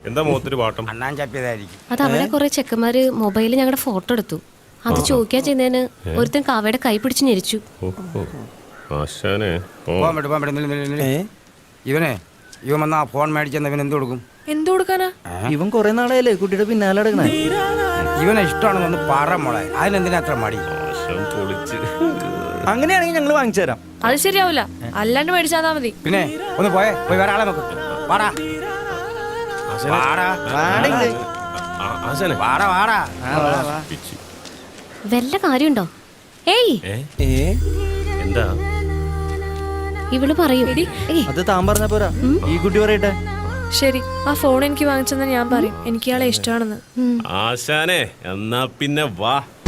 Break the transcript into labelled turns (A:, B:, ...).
A: എന്താ മുഖത്തൊരു പാട്ടം?
B: അണ്ണാൻ ചപ്പിയതായിരിക്കും.
C: അത് അവിടെ കുറെ ചെക്കന്മാര് മൊബൈലിൽ ഞങ്ങളുടെ ഫോട്ടോ എടുത്തു. അത് ചോദിക്കാൻ ചെയ്യുന്നതിന് ഒരുത്തൻ കാവയുടെ കൈ പിടിച്ച് ഞെരിച്ചു.
B: ഇവൻ വന്നാ ഫോൺ മേടിച്ചെന്ന് ഇവൻ എന്ത് കൊടുക്കും?
D: എന്ത് കൊടുക്കാനാ?
E: ഇവൻ കുറെ നാളായല്ലേ കുട്ടിയുടെ പിന്നാലെ നടക്കണേ.
B: ഇവനെ ഇഷ്ടമാണെന്ന് പറ മോളെ, അതിനെന്തിനാ അത്ര മടി?
E: അങ്ങനെയാണെങ്കിൽ ഞങ്ങൾ വാങ്ങിച്ചു തരാം.
D: അത് ശരിയാവില്ല, അല്ലാണ്ട് മേടിച്ചാൽ മതി.
B: പിന്നെ ഒന്ന് പോയി വേറെ ആളെ നോക്ക്. വാടാ വാടാ വാടാ.
C: വല്ല കാര്യമുണ്ടോ? ഏയ്
A: എന്താ
C: ഇവള് പറയൂ.
E: അത് താൻ പറഞ്ഞ പോരാ, ഈ കുട്ടി പറയട്ടെ.
D: ശരി, ആ ഫോൺ എനിക്ക് വാങ്ങിച്ചെന്ന് ഞാൻ പറയും. എനിക്ക് ഇയാളെ ഇഷ്ടമാണെന്ന്.
A: ആശാനെ എന്നാ പിന്നെ വാ.